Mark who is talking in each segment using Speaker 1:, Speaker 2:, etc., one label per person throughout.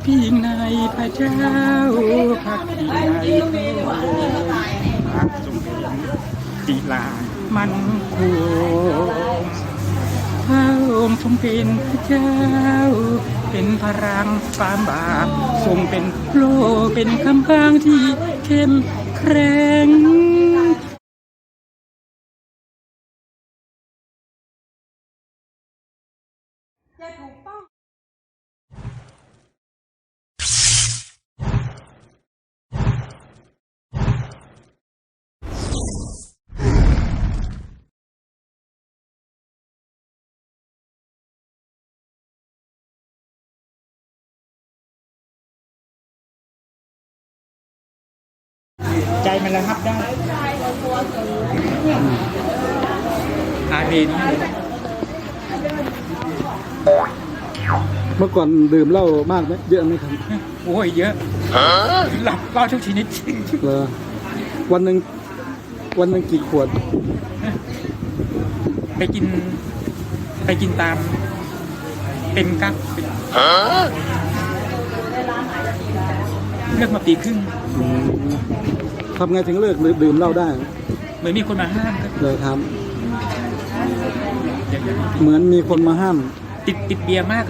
Speaker 1: พิงในพระเจ้าพักพิงในพระทรงเป็นศิลามันคงพระองค์ทรงเป็นพระเจ้าเป็นพลังความบาปทรงเป็นโลเป็นคำพางที่เข้มแข็ง
Speaker 2: จะถูกต้อง
Speaker 1: ใจมันระงับได้อาเมน
Speaker 3: เมื่อก่อนดื่มเหล้ามากไหมเยอะไหมครับ
Speaker 1: โอ้ยเยอะหลับก็ทุกชนิดจริง
Speaker 3: เหรอวันหนึ่งกี่ขวด
Speaker 1: ไปกินตามเป็นกั๊กเลิกมาปีครึ่ง
Speaker 3: ทำไงถึงเลิกดื่มเหล้าได้
Speaker 1: เหมือนมีคนมาห้ามครับ
Speaker 3: เลยครับ
Speaker 1: อย่างนั้น
Speaker 3: เหมือนมีคนมาห้าม
Speaker 1: ติดเบียร์มากเลย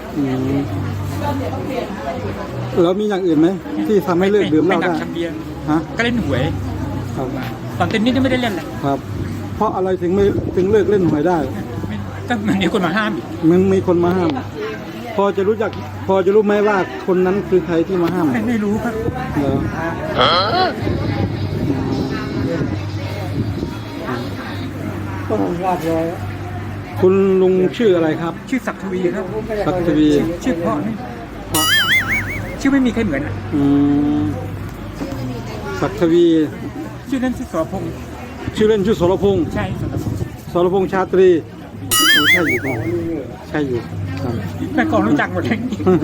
Speaker 3: แล้วมีอย่างอื่นไหมที่ทำให้เลิกดื่มเหล้า
Speaker 1: ไม่หนั
Speaker 3: ได้
Speaker 1: กทำเบียร์
Speaker 3: ฮะ
Speaker 1: ก็เล่นหวย
Speaker 3: ครับ
Speaker 1: ตอนเต้นนี่ไม่ได้เล่นเลย
Speaker 3: ครับ เพราะอะไรถึงเลิกเล่นหวยได้
Speaker 1: ก็มันมีคนมาห้ามอีก
Speaker 3: มันมีคนมาห้าม พอจะรู้ไหมว่าคนนั้นคือใครที่มาห้าม
Speaker 1: ไม่รู้ครับ
Speaker 3: เหรอคุณลุงชื่ออะไรครับ
Speaker 1: ชื่อศักดิ์ทวีครับ
Speaker 3: ศักดิ์ทวี
Speaker 1: ชื่อเพราะนี่ชื่อไม่มีใครเหมือนอะ
Speaker 3: ศักดิ์ทวี
Speaker 1: ชื่อนั้นชื่อสรพงษ์
Speaker 3: ชื่อเล่นชื่อสรพงษ์
Speaker 1: ใช่สรพงษ์
Speaker 3: สรพงษ์ชาตรีโอ้ใช่อยู่ครับใช่อยู่ครับ
Speaker 1: แม่กองรู้จักหมดเลย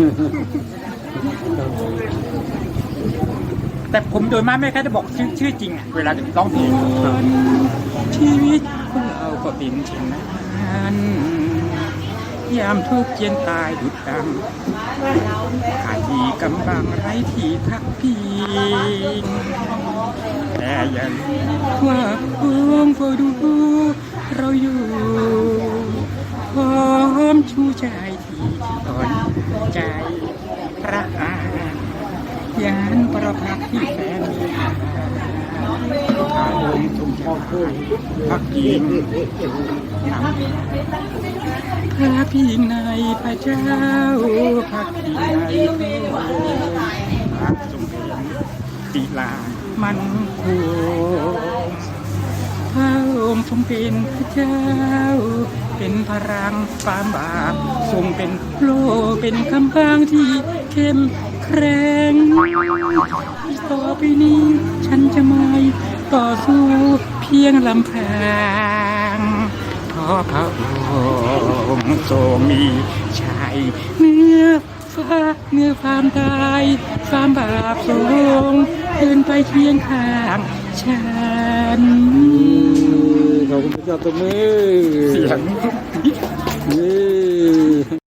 Speaker 1: แต่ผมโดยมากไม่ค่อยจะบอกชื่อจริงอะเวลาจะร้องเพลงชีวิตของเราก็เป็นเช่นนั้นยามทุกข์เย็นตายดุดดังขาดที่กำบังไร้ที่พักพิงแต่อย่าลืมว่าพระองค์เฝ้าดูเราอยู่พร้อมชูใจที่อ่อนใจพระอาญาณประภักที่แสนมีค่าอารมณ์ทรงใจพักพิงพระพิงในพระเจ้าพักพิงในพระพระทรงเป็นศิลามันคงพระองค์ทรงเป็นพระเจ้าเป็นพลังความบาปทรงเป็นโลเป็นคำพางที่เข้มแข็งต่อไปนี้ฉันจะไม่ต่อสู้เพียงลำพังเพราะพระองค์ทรงมีชัยเหนือฟ้าเหนือความตายความบาปทรงเดินไปเคียงข้างฉัน
Speaker 3: ขอบคุณพระเจ้าตัวมือ
Speaker 1: เสียง
Speaker 3: นี่